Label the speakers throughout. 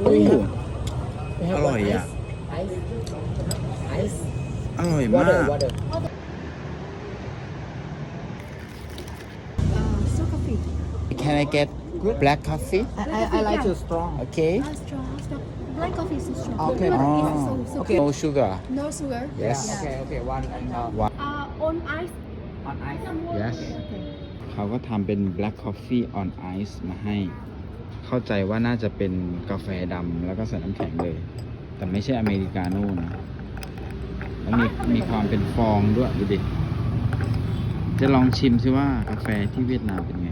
Speaker 1: We
Speaker 2: Ooh.
Speaker 1: have, we have
Speaker 2: อร่อยอ่ะ
Speaker 1: ice
Speaker 2: อร่อยมาก
Speaker 1: water
Speaker 3: So coffee.
Speaker 2: Can I get black coffee
Speaker 1: I like to strong
Speaker 2: Okay
Speaker 3: Strong. Black coffee is so strong.
Speaker 1: Okay.
Speaker 3: Good.
Speaker 2: Oh.
Speaker 3: It's so
Speaker 2: No sugar
Speaker 3: No sugar.
Speaker 2: Yes.
Speaker 1: okay one and
Speaker 3: On ice.
Speaker 1: on ice
Speaker 2: Yes เขาก็ทำเป็น black coffee on ice มาให้ เข้าใจว่าน่าจะเป็นกาแฟดำแล้วก็ใส่น้ำแข็งเลย แต่ไม่ใช่อเมริกาโน่นะแล้วมีความเป็นฟองด้วยดูดิ จะลองชิมซิว่ากาแฟที่เวียดนามเป็นไง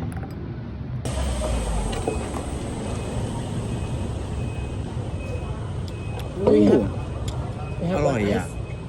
Speaker 1: We
Speaker 2: Ooh.
Speaker 1: have, we have
Speaker 2: อร่อยอ่ะ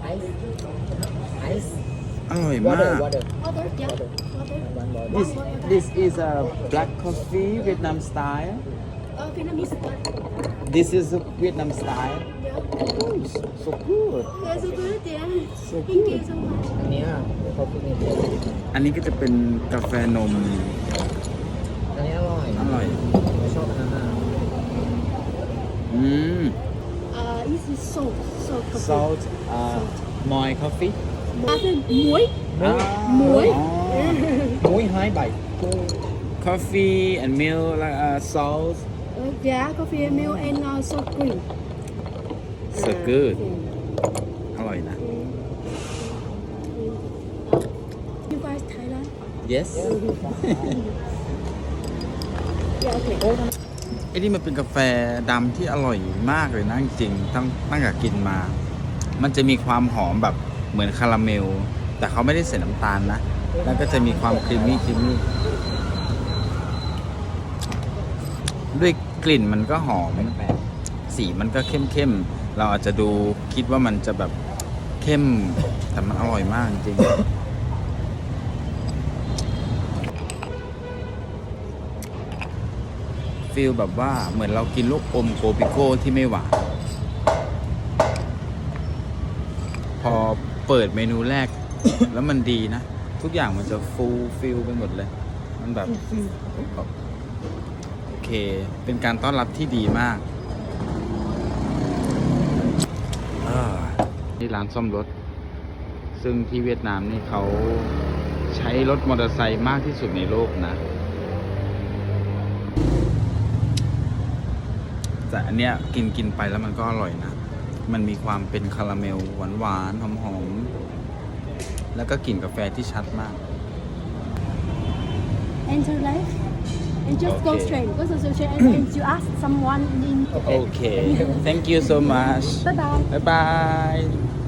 Speaker 1: ice
Speaker 2: อร่อยมาก
Speaker 1: water
Speaker 3: Water. Yeah.
Speaker 1: Water.
Speaker 3: Water.
Speaker 2: This is a black coffee Vietnam style
Speaker 3: Vietnamese.
Speaker 2: This is a Vietnam style
Speaker 3: Yeah.
Speaker 2: Oh so good
Speaker 3: That's so good. Yeah.
Speaker 2: So
Speaker 3: Thank
Speaker 2: good
Speaker 3: you so much.
Speaker 1: อันเนี้ยเขาพูดนี่
Speaker 2: อันนี้ก็จะเป็นกาแฟนม
Speaker 1: อันนี้อร่อย
Speaker 2: อร่อย
Speaker 1: ไม่ชอบอันนั้นนะ
Speaker 2: อืม
Speaker 3: This is salt. Salt coffee.
Speaker 2: salt moi coffee
Speaker 3: Then muối.
Speaker 2: มุ้ย
Speaker 1: มุ้ยไฮใบ
Speaker 2: coffee and milk like salt
Speaker 3: Yeah, coffee and milk and salt cream.
Speaker 2: so good อร่อยนะ
Speaker 3: You guys Thailand?
Speaker 2: yes
Speaker 3: Yeah. Okay.
Speaker 2: ไอ้นี่มันเป็นกาแฟดำที่อร่อยมากเลยนะจริงๆตั้งแต่กินมา มันจะมีความหอมแบบเหมือนคาราเมล แต่เขาไม่ได้ใส่น้ำตาลนะ แล้วก็จะมีความครีมมี่ด้วยกลิ่นมันก็หอมสีมันก็เข้มๆ เราอาจจะดูคิดว่ามันจะแบบเข้ม แต่มันอร่อยมากจริงๆฟีลแบบว่าเหมือนเรากินลูกอมโกปิโก้ที่ไม่หวาน พอเปิดเมนูแรก แล้วมันดีนะ ทุกอย่างมันจะฟูลฟิลไปหมดเลย มันแบบโอเค เป็นการต้อนรับที่ดีมากนี่ร้านซ่อมรถ ซึ่งที่เวียดนามนี่เขาใช้รถมอเตอร์ไซค์มากที่สุดในโลกนะ แต่อันเนี้ยกินไปแล้วมันก็อร่อยนะ มันมีความเป็นคาราเมลหวานๆหอมๆแล้วก็กลิ่นกาแฟที่ชัดมาก
Speaker 3: Enter left and just go
Speaker 2: Okay.
Speaker 3: straight. Go so straight and you ask someone in.
Speaker 2: โอเค thank you so much
Speaker 3: Bye bye.
Speaker 2: bye bye